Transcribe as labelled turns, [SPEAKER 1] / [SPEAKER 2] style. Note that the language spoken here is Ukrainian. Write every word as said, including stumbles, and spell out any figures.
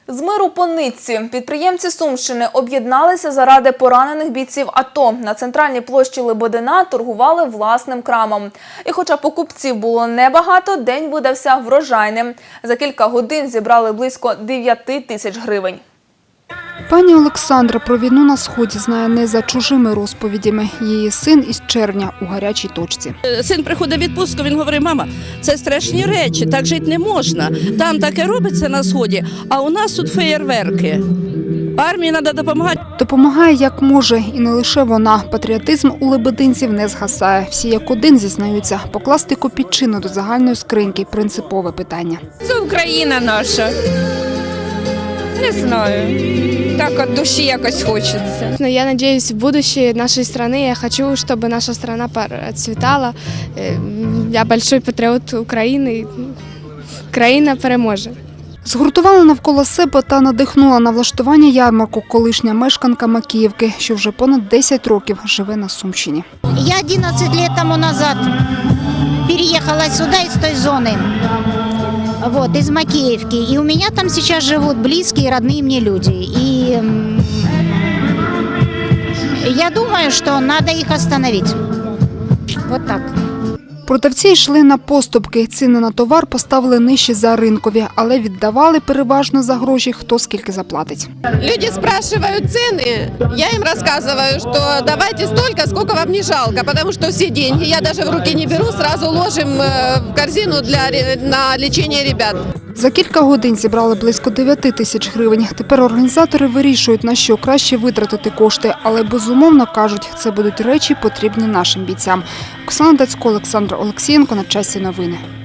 [SPEAKER 1] З миру по нитці підприємці Сумщини об'єдналися заради поранених бійців АТО. На центральній площі Лебедина торгували власним крамом. І хоча покупців було небагато, день видався врожайним. За кілька годин зібрали близько дев'яти тисяч гривень.
[SPEAKER 2] Пані Олександра про війну на Сході знає не за чужими розповідями. Її син із червня у гарячій точці.
[SPEAKER 3] Син приходить в відпустку, він говорить: мама, це страшні речі, так жити не можна. Там таке робиться на Сході, а у нас тут феєрверки. Армії треба допомагати.
[SPEAKER 2] Допомагає як може, і не лише вона. Патріотизм у лебединців не згасає. Всі як один зізнаються, покласти копійчину до загальної скриньки – принципове питання.
[SPEAKER 4] Це Україна наша. Не знаю. Так от душі якось хочеться.
[SPEAKER 5] Я надеюсь, в будущее нашей страны, я хочу, чтобы наша страна процветала. Я большой патріот України. Країна переможе.
[SPEAKER 2] Згуртувала навколо себе та надихнула на влаштування ярмарку колишня мешканка Макіївки, що вже понад десять років живе на Сумщині.
[SPEAKER 6] Я одиннадцать лет тому назад переехала сюда из той зоны, вот, из Макеевки. И у меня там сейчас живут близкие, родные мне люди. И я думаю, что надо их остановить. Вот так.
[SPEAKER 2] Продавці йшли на поступки. Ціни на товар поставили нижче за ринкові, але віддавали переважно за гроші, хто скільки заплатить.
[SPEAKER 7] Люди спрашивают цены, я им рассказываю, что давайте столько, сколько вам не жалко, потому что все деньги я даже в руки не беру, сразу ложим в корзину для, на лечение ребят.
[SPEAKER 2] За кілька годин зібрали близько дев'яти тисяч гривень. Тепер організатори вирішують, на що краще витратити кошти, але безумовно кажуть, це будуть речі, потрібні нашим бійцям. Оксана Дацько, Олександр Олексієнко. На часі новини.